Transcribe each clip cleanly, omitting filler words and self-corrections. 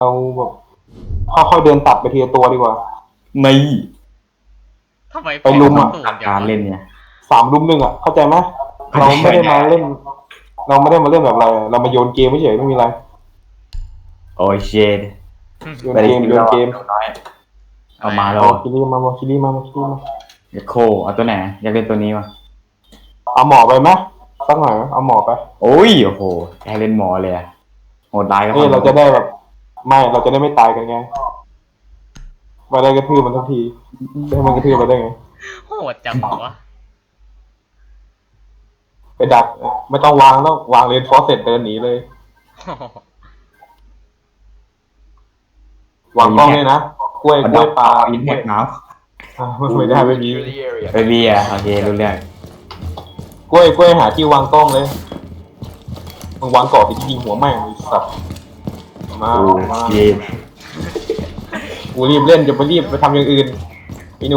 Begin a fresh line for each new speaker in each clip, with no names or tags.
เราแบบค่อยๆเดินตัดไปทีละตัวดีกว่า
ไม่
ทำไม
ไปลุมอะ
ตูนอย่าง
การ
วะ
เล่นเนี่ย
3-1เข้าใจไหมเราไม่ได้มาเล่น เราไม่ได้มาเล่นแบบอะไรเรามาโยนเกมไม่เฉยไม่มีอะไร
โอ้ยเชด
โยนเกมโยนเกม
น้อยเอามาแล้ว
เอาคิริมาคิริมา
อยากโคเอาตัวไหนอยากเล่นตัวนี้วะ
เอาหมอไปไหมสักหน่อยเอาหมอไป
โอ้ยโอ้โหอยากเล่นหมอเลยอะโหดร้ายก็
เราจะได้แบบไม่เราจะได้ไม่ตายกันไงมาได้กระทืบมันทันทีได้มันกระทืบมาได้ไง
โหดจังวะ
ไปดักไม่ต้องวางแล้ววางเรนฟอร์เสร็จเดินหนีเลย วางกล้องเลยนะกล้วยปลา
อินเทอร์น้
ไม่ได้ไม่มี
ำไปเบียร์โอเครู้เรื่อง
กล้วยหาที่วางกล้องเลยมึงวางเกาะที่ยิงหัวแม่งไอ้สัตว์มา
โอ้
มา
เชด
กูรีบเล่นจะไปรีบไปทำอย่างอื่นไอ้หนู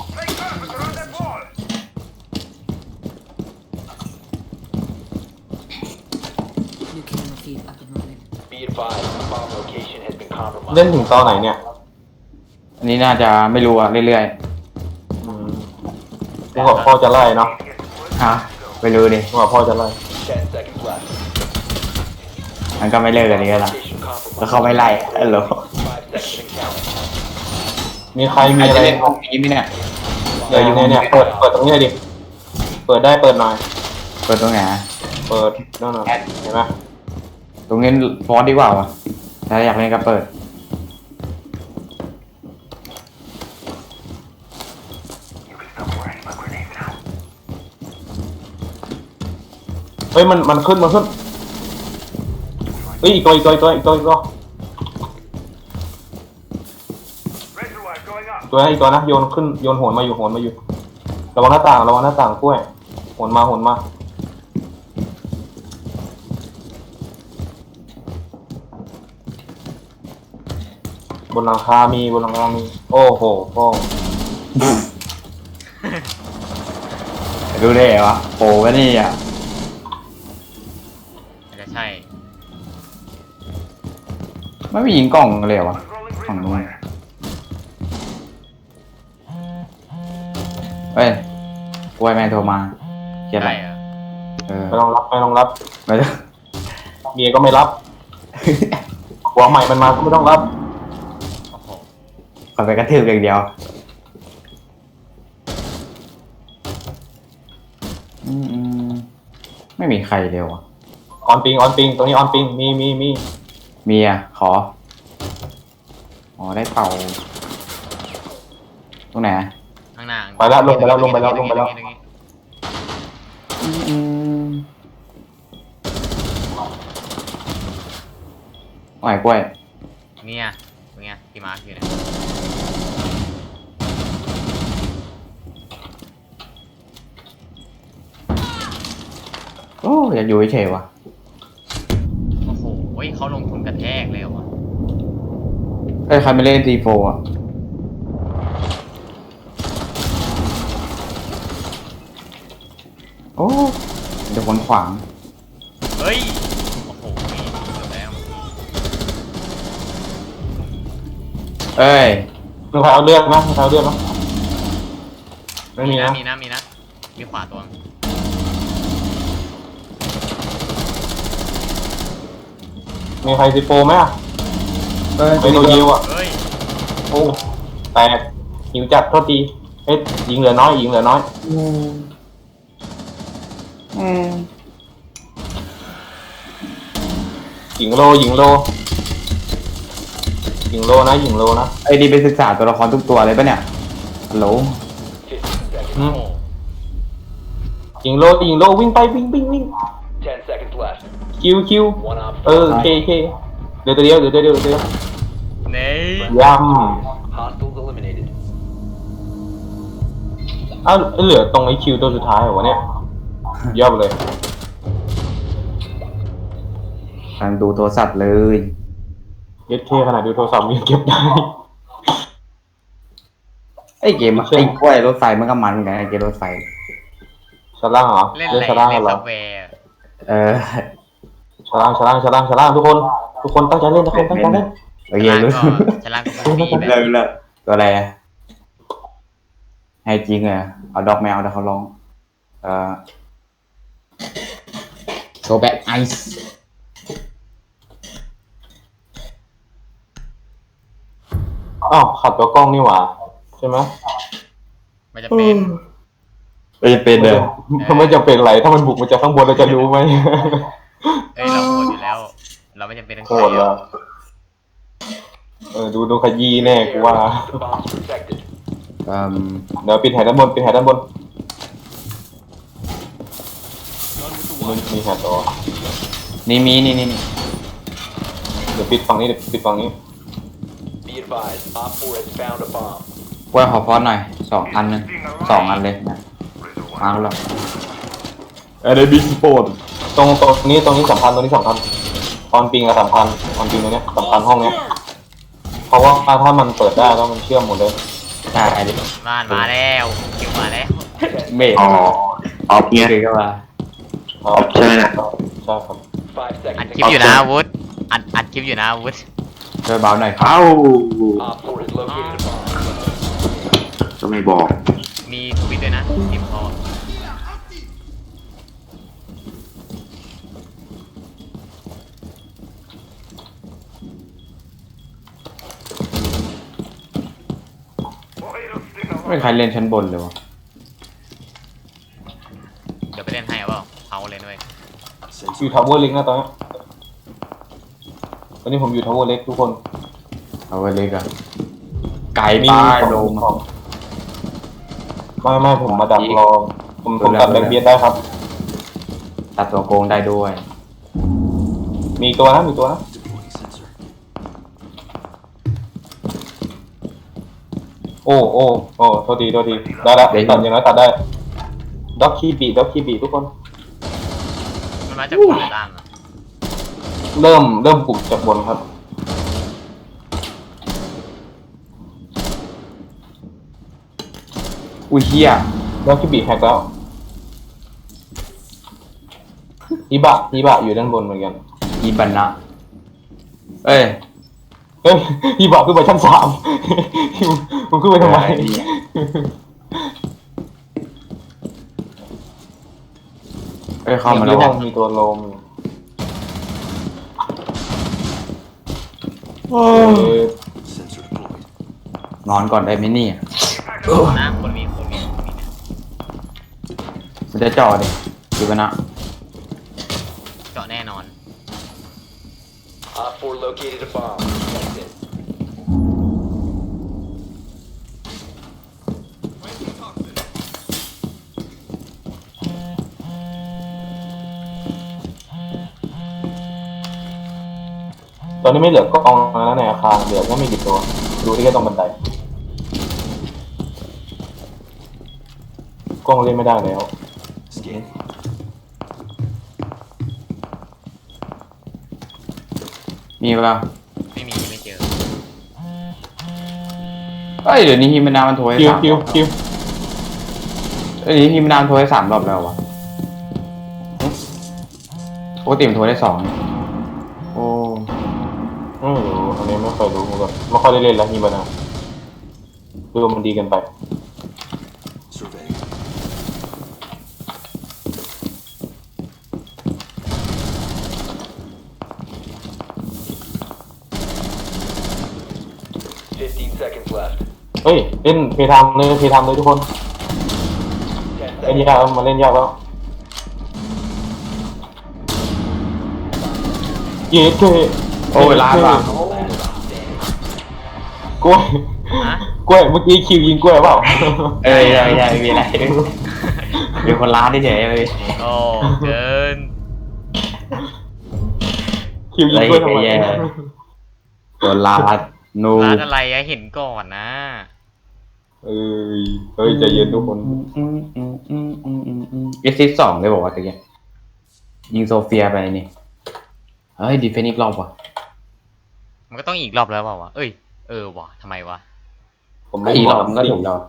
New camera feed up and running.
Be advised, bomb location has been compromised.
เล่นถึงตอนไหนเนี่ย
อันนี้น่าจะไม่รู้อะเรื่อย
กูบอกพ่อจะไล่เนาะ
ๆฮะไม่รู้ดิ
กูบอกพ่อจะไล่
10 seconds left.
มันก็ไม่เลิกกันนี้ละ
Location
แล้ว
compromised.
เขาไม่ไล่ฮัลโหล
5 seconds and counting.
มีใครมี
อาจ
อะไร
จะเล่นห้องนี้ไหมเนี่ย
เนี่ยเปิดตรงนี้เลยดิเปิดได้เปิดหน่อย
เปิดตรงไหน
เปิดนั่นน่ะเห็นไหม
ตรงนี้ฟอสดีกว่าวะถ้าอยากเล่นก็เปิด
เฮ้ยมันขึ้นเฮ้ยอีกตัวนะโยนขึ้นโยนโหนมาอยู่ระวังหน้าต่างกล้วยโหนมาบนหลังคามีโอ้โหพ่อ
ดูได้เหรอวะโปวะนี่อ่ะ
อาจจะใช่
ไม่มียิงกล่องเลยเหรอวะฝั่งนู้นเฮ้ยกล้วยแม่งโทรมาเขียนอะไร
ใช่เหรอ
เออ
ไม่ต้องรับ
ไม่ต้อง
เมียก็ไม่รับหัวใหม่มันมาก็ไม่ต้องรับ
โอ้โห
ขอไปกระทืบอย่างเดียวไม่มีใครเร็วอ่ะ
ออนปิงตรงนี้ออนปิงมี
มีอ่ะขออ๋อได้เต่าตรงไหน
ข้างหน้า
ไปแล้วลงไปแล้ว
ตรงนี้
ไหวกล้วย
เนี่ยตรงเนี้ยที่มาร์คอยู่เนี่ย
โอ้อยากอยู่เฉยๆว่ะ
โอ้โหเขาลงทุนกระแทกเลยเหรอวะ
เอ้ยใครไม่เล่นตีโฟอ่ะโอ้เดี๋ยวคนขวาง
เฮ้ยโอ้โหเกือบแล้ว
เอ้ย
มีใครเอาเลือดไหมไม่มีนะ
มีนะมีขวาตัว
มีใครซิโปไหมอ่ะ
เอ้ย
ไปตัวยิวอ่ะ
เฮ้ย
โอ้แตกหิวจัดโทษทีเฮ้ยยิงเหลือน้อยยิงโลนะ
ไอ้ดีไปศึกษาตัวละครทุกตัวเลยปะเนี่ยฮัลโหล
อืม
โอ้โห
ยิงโลวิ่งไปวิ่ง
10 seconds left.
คิว
One op
เคเดี๋ยวเดียว
เน่
ย่
hostiles eliminated.
ำอ้าวเหลือตรงไอ้คิวตัวสุดท้ายเหรอวะเนี่ยยอดเลย
กำลังดูโทรศัพท์เลย
เย็ดเคขนาดดูโทรศัพท์ยังเก็บได้
ไอ้เกมไอ้กล้วยรถไฟมันก็มันเหมือนกันไอ้เกมรถไฟ
ชั้นล่างเหรอ
เล่น
เล่น
อะไร
ชั้นล่าง
เล่น
เหร
ซั
อบ
แวร์
เออ
ชั้นล่างทุกคนตั้งใจเล่น
โอเครู้
ชั้นล่างก็มีแบบ
เลิกตัวอะไรอะให้จริงอะเอาดอกแมวเดี๋ยวเขาร้องgo back ice
อ้าวขัดตัวกล้องนี่หว่าใช่ไหม
มันจะเป็น
ไม่จะเป็นเลย
ไม่จะเป็นไรถ้ามันบุกมาจากข้างบนเราจะรู้ไหม
เอ้ยเราโหดอยู่แล้ว เราไม่จำเป็นต้อง
โหดแล้วดูขยี้แน่กูว่า
The bomb's protected.
เดี๋ยวปิดแถวด้านบนปิดแถวด้านบนมีแถวต่อ
นี่มีนี่
เดี๋ยวปิดฝั่งนี้เดี๋ยวปิดฝั่งนี้
Be advised, Op 4 has found a bomb.
กล้วยขอฟอนหน่อย2 อันนึง2 อันเลยนะมาแล้วได้บิ๊กสปอร์ต
ตรงนี้สำคัญออนปิงกับสำคัญออนปิงตรงเนี้ยสำคัญห้องเนี้ยเพราะว่าถ้ามันเปิดได้แล้วมันเชื่อมหมดเลย
ใช่ดิ
บ้านมาแล้วคิวมาแล้ว
เมดออฟเนี่ยเลยก็ว่า
ใช่ใช่ครับ
5
อัด
seconds
คลิปอยู่นะวุฒอัดคลิปอยู่นะวุฒ
ช่วยเบาหน่อยครับ
Op 4 has located a bomb.
ก็ไม่บอก
มีทวิตด้วยนะทีมเขา
ไม่มีใครเล่นชั้นบนเลยวะ
เดี๋ยวไปเล่นให้เอาเปล่าเอาเลยด้วย
อยู่ทาวเวอร์เล็กนะตอนนี้ผมอยู่ทาวเวอร์เล็กทุกคน
เอาไว้เลยกันไก่ป้ายโดม
ไม่ผมมาดักรอผมตัดแบงเบียดได้ครับ
ตัดตัวโกงได้ด้วย
มีตัวนะโอ้โทษทีได้ละตัดอย่างน้อยตัดได้ด็อกคีบีทุกคน
มันมาจากบนหรือล่างอ่ะ
เริ่มปลุกจากบนครับ
อุ้ยเฮีย
ด็อกคีบีแฮกแล้วฮิบะอยู่ด้านบนเหมือนกัน
อีบันนะเอ้ย
ฮิบะขึ้นไปชั้น 3ผมขึ้นไปทำไม
เอ้ยเข้ามาแล้ว
ห้องมีตัวโลม
นอนก่อนได้ไหมเนี่ย
นะคนมีนะ
มันจะจ่อดิอีบันนะ
เจาะแน่นอน
Op 4 located a bomb. Protect it.
ตอนนี้ไม่เหลือกล้องแล้วในอาคารเหลือแค่ไม่กี่ตัวดูที่แค่ตรงบันไดกล้องเล่นไม่ได้แล้ว
มีป่ะ
ไม่เจอ
เอ้ยเดี๋ยวนี้ฮิมนามันโทรให้
คิว
3
คิว
เอ้ยเดี๋ยวนี้ฮิมนามันโทรให้3 รอบแล้ววะปกติมันโทรได้2โอ้
ไม่รู้อันนี้ไม่ค่อยรู้เหมือนกันไม่ค่อยได้เล่นแล้วฮีบานาคือมันดีเกันไป
15 seconds left.
เฮ้ยเล่นเพย์ไทม์เลยทุกคน
10
เล่น
seconds.
ยากแล้วมาเล่นยากแล้วเย้เท่
โอ้เวลาป่ะ
กล้วย
ฮะ
กล้วยเมื่อกี้คิวยิงกล้วยเปล่า
เอ้ยไม่มีอะไรเป็นคนร้านเฉยๆเลย
โอ้เกิน
คิวยิงกล้วยทำไม
ตัวร้านนู
ร้านอะไรอะเห็นก่อนนะ
เฮ้ยใจเย็นทุกคน
เอซิส2เลยบอกว่าตะกี้ยิงโซเฟียไปนี่เฮ้ยดีเฟนอีกรอบว่ะ
มันก็ต้องอีกรอบแล้วเปล่าวะเอ้ยว่ะทำไมวะ
ผมเล่น
อีก
ม
ร
อ
อบมันก็ถูกแล้ว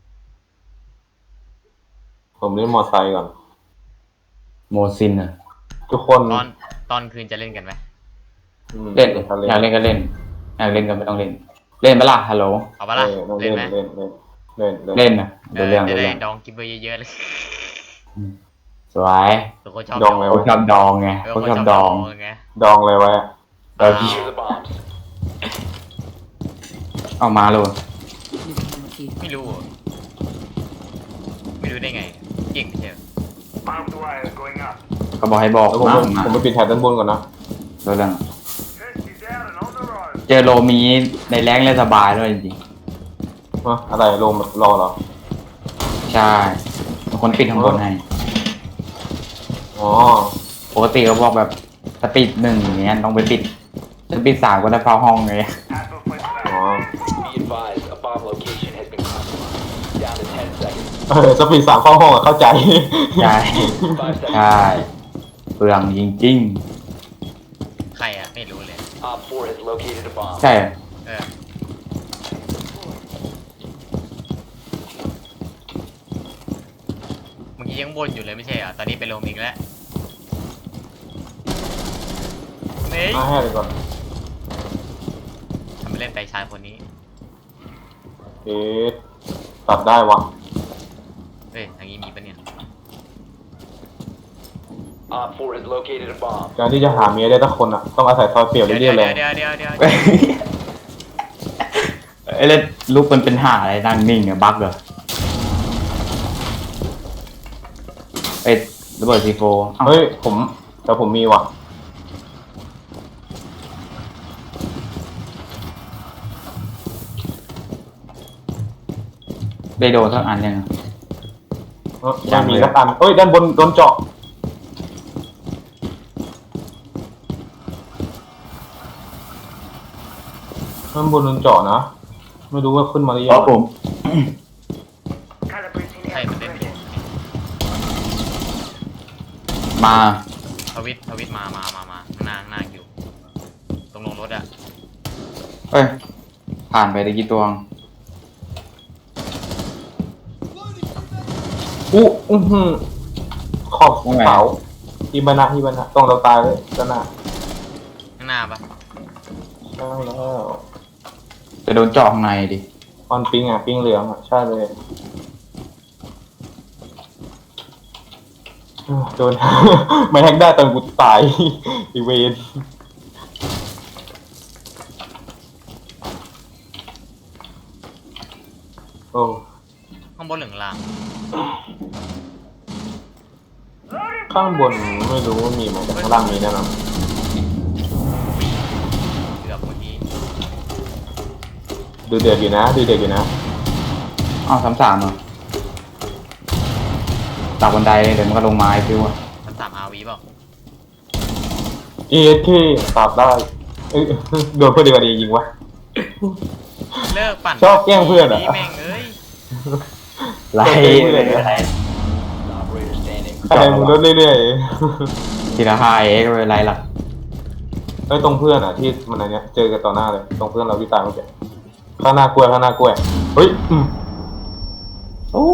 ผมเล่นมอไซค์ก่อน
โมซินอ่ะ
ทุกคน
ตอนคืนจะเล่นกันไหม
เล่น
ทะเล
อยากเล่นก็เล่นอยากเล่นก็ไม่ต้องเล่น เล่นปะล่ะฮัลโหล
เอาปะล่ะ
เล่
เล่
น
นไหม
เล่นเล่นเล่น
เล่นนะเดี๋ยวเรื่อง
จะ
เดี๋ยว
ได้
เรื่อง
ดองกินไปเยอะๆเลย
สวย
ตัวคนชอบ
ดองเลย
พวกชอบดองไงพวกชอบดอง
ไง
ดองเลยไว้
เออ
Secure the bombs.
เอามาเลย
New camera feed.
ไม่รู้อะไม่รู้ได้ไง เก่งไม่ใช่เหรอ
ก็บอกให้บอก
แล้วผม
มา
ผมไปปิดแถบด้านบนก่อนนะ
เดี๋ยวเรื่องเจอโลมีในแรงเล่นสบายด้วยจริง
อะไรลมรอเหรอ
ๆใช่บางคนปิดข้างบนให้
อ๋อ
ปกติเขาบอกแบบสปีด1อย่างเงี้ยต้องไปปิดสปีด3ก็ได้เฝ้าห้องไง
อ๋อ
Be advised, a bomb location has been compromised. Down to 10 seconds.
สปีด3เข้าห้องอะเข้าใจ
ใช่
5 seconds.
ใช่เปลืองจริง
ใครอะไม่รู้เลย
Op 4 has located a bomb.
ๆ ใช่
เออเมื่อกี้ยังบ่นอยู่เลยไม่ใช่เหรอ ตอนนี้เป็นลมอีกแล้วเฮ้ย
มาให้เลยก่อน
ทำไมเล่นไปชายคนนี้
เอ๊ะตัดได้วะ
เฮ้ยทางนี้มีปะเนี่ย
Op 4 has located a bomb.
การที่จะหาเมียได้ทุกคนอ่ะต้องอาศัยซอยเปรียว
เดี๋ยว
เรื่
เดี๋
อย ยว ๆเลย
เดี๋ยวเดี๋ยวเดี๋ยว
ไอ้เล่นลูกมันเป็นห่าอะไรนั่งนิ่งเนี่ยบั๊กเหรอเอ้ยระเบิดซีโฟอ้าว
เฮ้ยแต่ผมมีว่ะ
ได้โดนสักอันยัง
ไม่มีสักอันเอ้ยด้านบนโดนเจาะด้านบนโดนเจาะนะไม่รู้ว่าขึ้นมาหรือ
อ๋
ยั
อง ผม
ใช่มันเล่นไม่ถูก
มา
ทวิตมาข้างหน้าข้างหน้าอยู่ ตรงลงรถอะ
เอ้ยผ่านไปได้กี่ตัวง
อื้อหือขอบเสาฮิบานะต้องเราตายเลยด้านหน้า
ข้างหน้าปะ
ใช่แล้ว
จะโดนเจาะข้างในดิ
ออนปิงอ่ะปิงเหลืองอ่ะใช่เลยโดน ไม่แฮกได้ตอนกูตาย อีเวนโอ้
ข้างบนหรือข้างล่าง
ข้างบนไม่รู้ว่ามีไหมแต่ข้างล่างมีแน่นอน
เกือบเมื่อกี้
ดูเดือดอยู่นะ
อ้าว3-3เหรอจากบันไดเดี๋ยวมันก็ลงไม้ฟิวอะ
มันสามอาวีเปล่า
เอเคตัดได้เอ้ยโดนเพื่อนดีกว่าดียิงวะ
เลิกปั่น
ชอบแกล้งเพื่อนอะ
แม่งเอ้ย
ไล่
เลย
ไล่
Operator standing.
คะแนนมึงลดเรื่อย
ทีละ5 ก็ไม่เป็นไรหรอก
ๆไอ้ยตรงเพื่อนอ่ะที่มันอะไรเนี้ยเจอกันต่อหน้าเลยตรงเพื่อนเราที่ตายเมื่อกี้ข้างหน้ากล้วยเฮ้ย
โอ้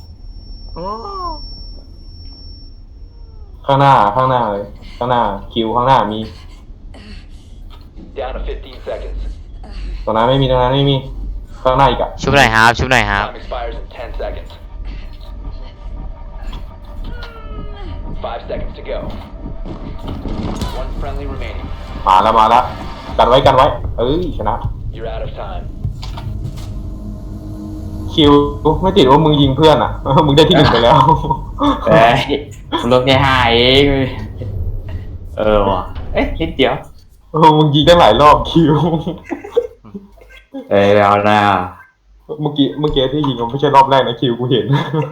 ข้างหน้าเลยข้างหน้าคิวข้างหน้ามี
Down to 15 seconds.
ตรงนั้นไม่มีข้างหน้าอีกอ่ะ
ชุบหน่อยครับ ชุบหน่อยครับ
Time expires in 10 seconds. 5 seconds to go. One friendly remaining.
มาแล้วกันไว้เอ้ยชนะ
You're out of time.
คิวไม่ติดว่ามึงยิงเพื่อนอ่ะ มึงได้ที่ 1ไปแล้ว
เอ้ยมันลดแค่5เว้ยว่ะเอ๊ะนิดเดียว
มึงยิงตั้งหลายรอบคิว
แล้วนะ
เมื่อกี้ที่ยิงมันไม่ใช่รอบแรกนะคิวกูเห็น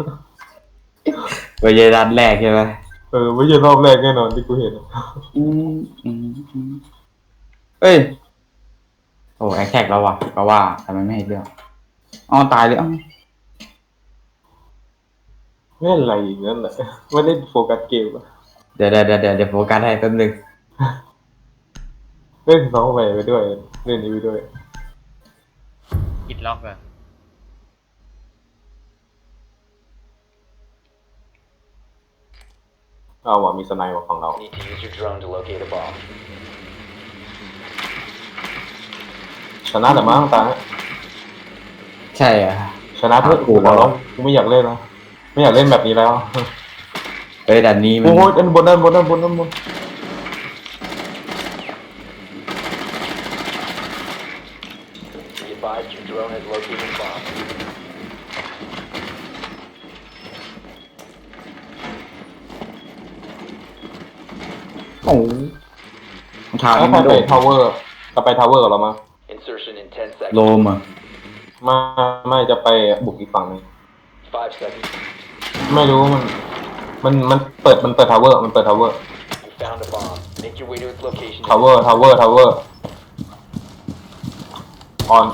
ไปเยนัดแรกใช่ไหม
ไม่ใช่รอบแรกแน่นอนที่กูเห็น
เอ้ยโอ้แอคแท็กแล้วว่ะก็ว่าทำไมไม่ให้เรื่องอ๋อตายเลยอ้าว
ไม่อะไรอย่างนั้นแหละไม่ได้โฟกัสเกมอะ
เดี๋ยวโฟกัสให้แป๊บนึง
เล่นซ้อมไปด้วยเล่นนี้ไปด้วย
อิดล็อกอะ
เอาว่ะมีสไนป์ว่ะของเรา
Need to use your drone to locate a bomb.
ชนะแต่มั้งตาเนี่ย
ใช่อ่ะ
ชนะเพื่อกูแล้วกูไม่อยากเล่นแล้วไม่อยากเล่นแบบนี้แล้ว
เอ้ยด่านนี้มัน
โอ้ยด้านบนด้านบนด้านบนด้านบน
Be advised your drone has located a bomb.
โอ้โหรองเท้า
แล้ว
นี่
ใคร
มัน
ไป
โดด
ทาวเวอร์จะไปทาวเวอร์กับเรามั้ง
Insertion in 10
โล
seconds.
มอ่ะ
ไม่จะไปบุกอีกฝั่งหนึง
5 seconds.
ไม่รู้มันเปิดทาวเวอร์มันเปิดทาวเวอร์
You found a bomb. Make your way to its location.
ทาวเวอร์ทาวเวอร์ทาวเวอร์ออน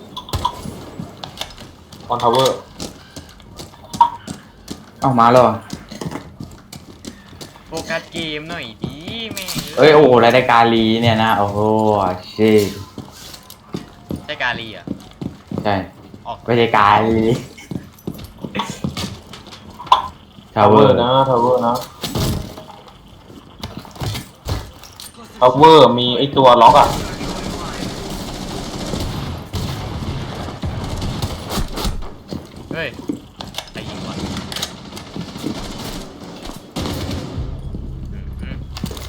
ทาวเวอร์
เอ้ามาแล้วเหรอ
โฟกัสเกมหน่อยดิแม่ง
เอ้ยโอ้โหรายการลีเนี่ยนะโอ้โหชิ
ใช่กาลีอ่ะ
ใช่
ออก
รายการลีทา
ทาว ว
เว
เว
อ
อ
ร์
ร์นะทาวเวอร์นะทาวเวอร์มีไอตัวล็อกอ่ะ
เฮ้ยใครยิงวะอืม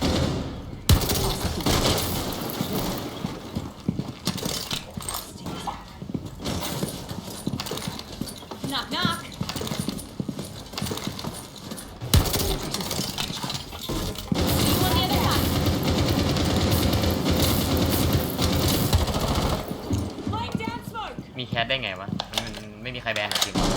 Knock knock. See you on the other side. Laying down smoke.
มีแคสได้ไงวะมันไม่มีใครแบนหรอจริง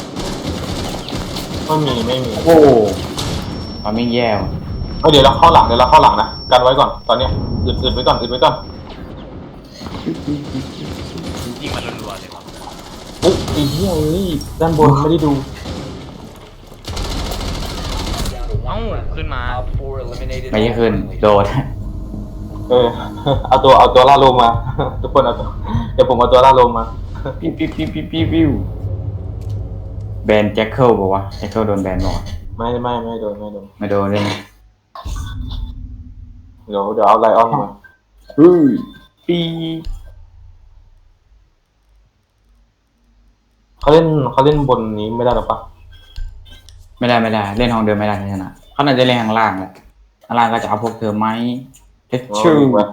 ไม่มี
โอ้โหมันไม่แย่ว่ะ
เดี๋ยวเราเข้าหลังนะกันไว้ก่อนตอนเนี้ยอึดไว้ก่อนอึดไว้ก่อน
ยิงมันรัวๆเลยวะ
เฮ้ยไอ้เหี้ยเอ้ยด้านบนไม่ได้ดู
Down to
เอ้า
one friendly.
ขึ้นมา
Op 4 eliminated.
ไม่ใช่
all
ขึ้น
friendlies.
โดด
เอาตัวล่าลมมา ทุกคนเอาตัวเดี๋ยวผมเอาตัวล่าลมมา
ปิ้วปิ้วปิ้วปิ้วปิ้วปิ้วแบนแจ็คเกิลบอกว่าแจ็คเกิลโดนแบนบอกว่า
ไม่โดน
ไม่โดนเลยนะ
เดี๋ยวเอาไลออนมา
อุ้ยปี
เขาเล่นบนนี้ไม่ได้หรอปะ
ไม่ได้เล่นห้องเดิมไม่ได้ชนะเขาน่าจะเล่นข้างล่างแหละข้างล่างก็จะเอาพวกเธอไหมเอชชู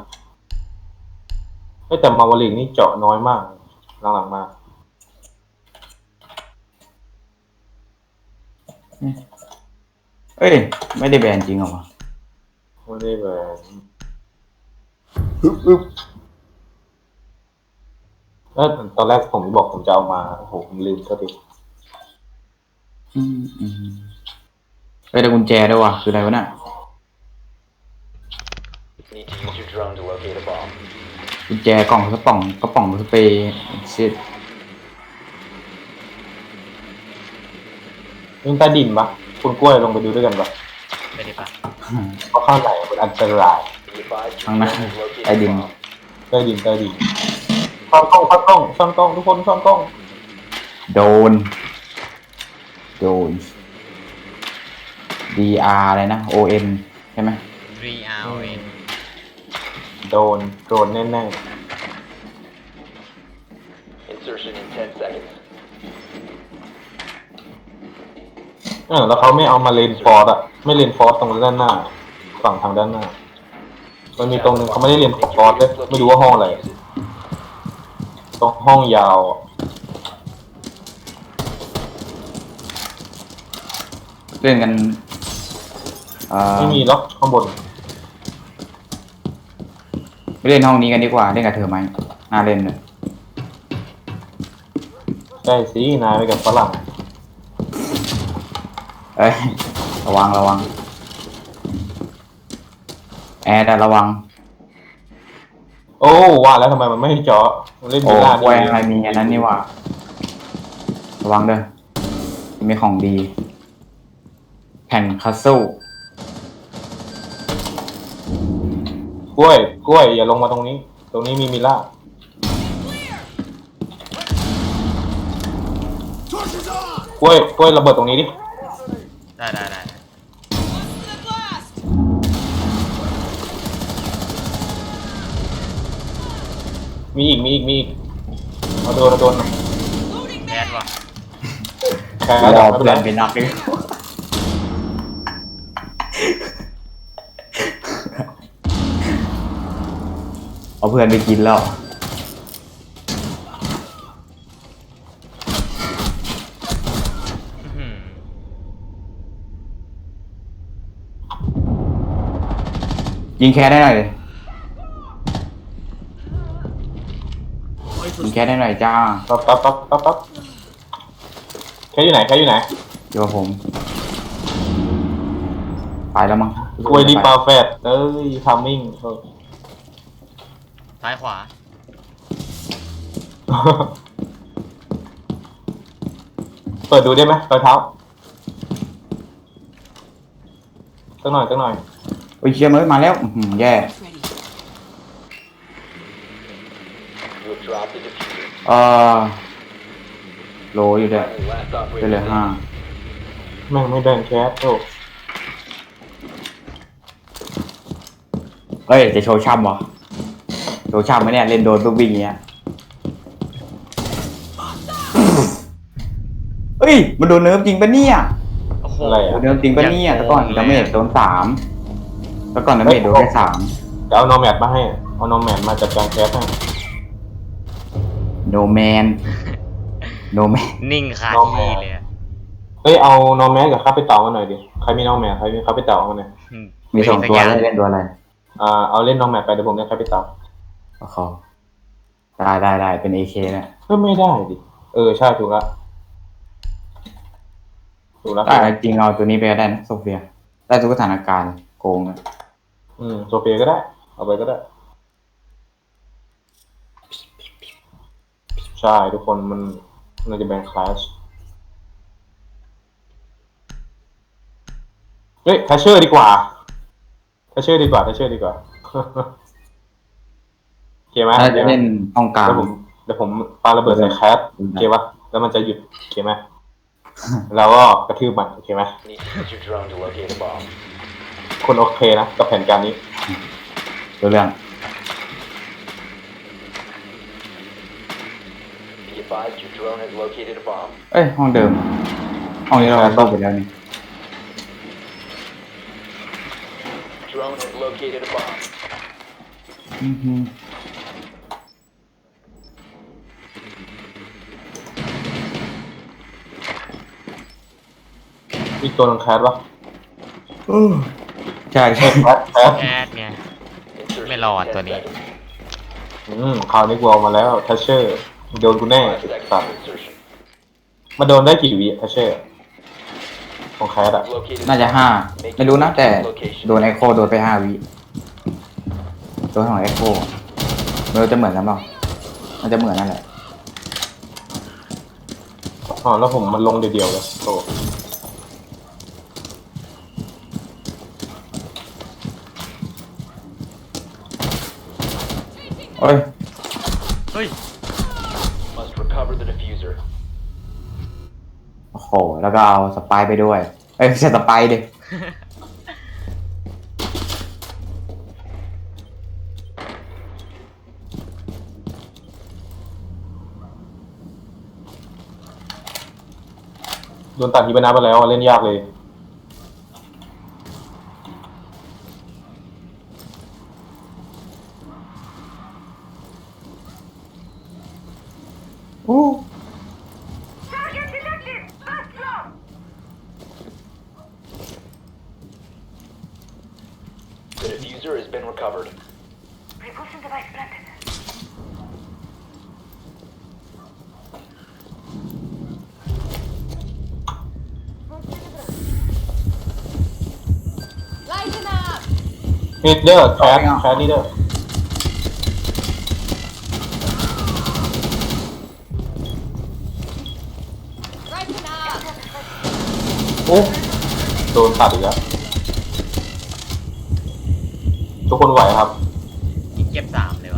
แต่มาวาลิกนี่เจาะน้อยมากหลังๆมา
เอ้ยไม่ได้แบนจริงเหรอวะ
ไม่ได้แบบ
อึ๊บ
ตอนแรกผมบอกผมจะเอามาโอ้โหผมลืมซะที
อืมเอ้ยแต่กุญแจด้วยว่ะคืออะไรวะน่ะ
Need to use your drone to locate a bomb.
กุญแจกล่องกระป๋องสเปรย์ชิด
นี่ใต้ดินปะคุณกล้วยลงไปดูด้วยกันปะ
ไม่ได้ปะ
เพราะข้างในมันอันตราย
Be advised your
ข้างหน้า
drone has located
ใต้
a
ดิน
bomb.
ใต้ดินซ่อนกล้องทุกคนซ่อนกล้อง
โดน DR อะไรนะ ON ใช่ไหม
3 RN
โดนแน่
Insertion in 10 seconds.
ๆแล้วเขาไม่เอามาเลนฟอร์ดอะไม่เลนฟอร์ดตรงด้านหน้า ฝั่งทางด้านหน้า มันมีตรงนึงเขาไม่ได้เลนฟอร์ดเลยไม่รู้ว่าห้องอะไรตรงห้องยาวอะ
เล่นกัน
ไม่มีล็อกข้างบน
ไปเล่นห้องนี้กันดีกว่าเล่นกับเธอไหมน่าเล่นเลย
ได้สินายไปกับฝรั่ง
เอ้ยระวังแอร์แต่ระวัง
โอ้ว่าแล้วทำไมมันไม่ให้เจาะมันเล่น
โอ้
ดีล่า
แหวงอะไรมีอันนั้นนี่หว่าระวังเด้อมีของดี แผ่นคัสเซิล
กล้วยอย่าลงมาตรงนี้ ตรงนี้มีมิล่า กล้วยระเบิดตรงนี้ดิ
ได้
Close to the blast.
มีอีกเอาโดนเอาโดน
Loading
แคส
mag.
ว่ะ
แค่
รอ
ไม่
เพื่
เป็
อน
น
ไป
ไร
นักดิเอาเพื่อนไปกินแล้ว
อื้อหือ
ยิงแคสได้หน่อยดิยิงแคสได้หน่อยจ้า
ปั๊บแค่อยู่ไหนแค่อยู่ไหน
อยู่กับผม ไปแล้วมั้ง
กล้วยดีปลาแฟดเอ้ยทามมิ่ง
ซ้ายขวา
เปิดดูได้ไหมรอยเท้าสักหน่อย
โอ้ยเชียร์เอ้ยมาแล้วอื้อหือแย่
Ready.
You have dropped the diffuser.
โลอยู่ด้วย
Friendly last
ไป
operator
เลยห้า
standing.
แม่งไม่แบ่งแคสโอ้
เอ้ยจะโชว์ช่ำวะโชว์ช่ำไหมเนี่ยเล่นโดนปุ๊บวิ่งอย่างเงี้ยเอ้ยมันโดนเนิร์ฟจริงปะเนี่ย
โอ้โห
อะไร
โด
อ่ะ
นเนิร์ฟจริงปะเนี่ยแต่ก่อนดาเมจโดน3แต่ก่อนดาเมจโดนแค่3
จะเอาโนแมดมาให้เอาโนแมดมาจัดการแคสให้
โนแมนโนแมน
นิ่งคาที่เลยอะ
เฮ้ยเอาโนแมดกับข้าไปเต่ามาหน่อยดิใครมีโนแมดใครมีข้าไปเต่ามาหน่อย
อืม
มี2 ตัวแล้วเล่นตัวอะไร
เอาเล่นโนแมดไปเดี๋ยวผมเล่นข้าไปเต่า
โอ้โหได้เป็น AK เนี่ย
ก็ไม่ได้ดิใช่ถูกละ
แต่จริงเอาตัวนี้ไปก็ได้นะโซเฟียได้ทุกสถานการณ์โกงอะ
โซเฟียก็ได้เอาไปก็ได้ใช่ทุกคนมันจะแบ่งคลาสเฮ้ยแทชเชอร์ดีกว่าโอเคไหม
ถ้าจะเล่นห้องกลาง
เดี๋ยวผมปาระเบิดใส่แคสโอเคปะแล้วมันจะหยุดโอเคไหม แล้วก็กระทืบมันโอเคไหม
Need to use your drone to locate a bomb.
คนโอเคนะกับแผนการนี้
ตัวเรื่อง
Be advised your drone has located a bomb.
เอ้ยห้องเดิม ห้องนี้เราต้องไปแล้วนี่
Drone has located a bomb.
อื้อหือ
มีตัวนึงแคสปะ
ใช่
แคส
แคสไง
Insertion
Mày lò
in 10
ตัวนี้
seconds.
คราวนี้กูเอามาแล้วแทชเชอร์โดนกูแน่
5 seconds
สัต
to
ว์
insertion.
มาโดนได้กี่วิแทชเชอร์ของแคสอะ
Located
น่าจะ5 ไม่รู้นะแต่โดนไอโคโดนไป5 วิโดนของไอโคไม่รู้จะเหมือนกันเปล่ามันจะเหมือนนั่นแหละ
แล้วผมมันลงเดียวๆเลยโต
โอ้ย
เฮ้ย
must recover the diffuser.
โอ้โห แล้วก็เอาสไปร์ไปด้วย เอ้ยไม่ใช่สไปร์ดิ
โดนตัดทีบนาไปแล้วเล่นยากเลย
อู้
The diffuser has been recovered.
Lighten up.
นี่เด้อแคสนี่เด้อ
Lighten up.
โอ้โดนตัดอีกแล้วทุกคนไหวครับ
อีกเก็บ3เลยวะ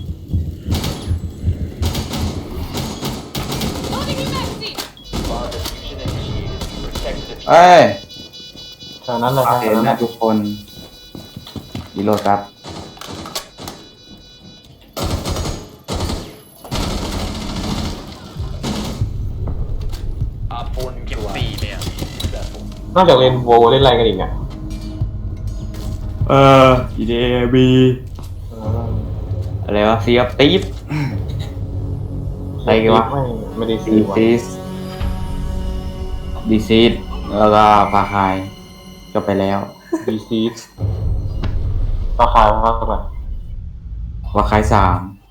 Loading your magazine.
Bomb diffusion initiated. Protect the diffuser.
เอ้ย
แค่นั้นแหละครับ
เห็นนะทุกคนรีโหลดครับ
โนอกจากเล่นโวเล่นอะไรกันอีกเนี่ย
EDAB อะไรวะซีออฟตีฟ อะไรกันวะ
ไม่ได้ซี
ดี
วะ
ซีสดีซีสแล้วก็ฟาคายจบไปแล้ว
ดีซีสราคาเท่าไหร่
ฟาคาย3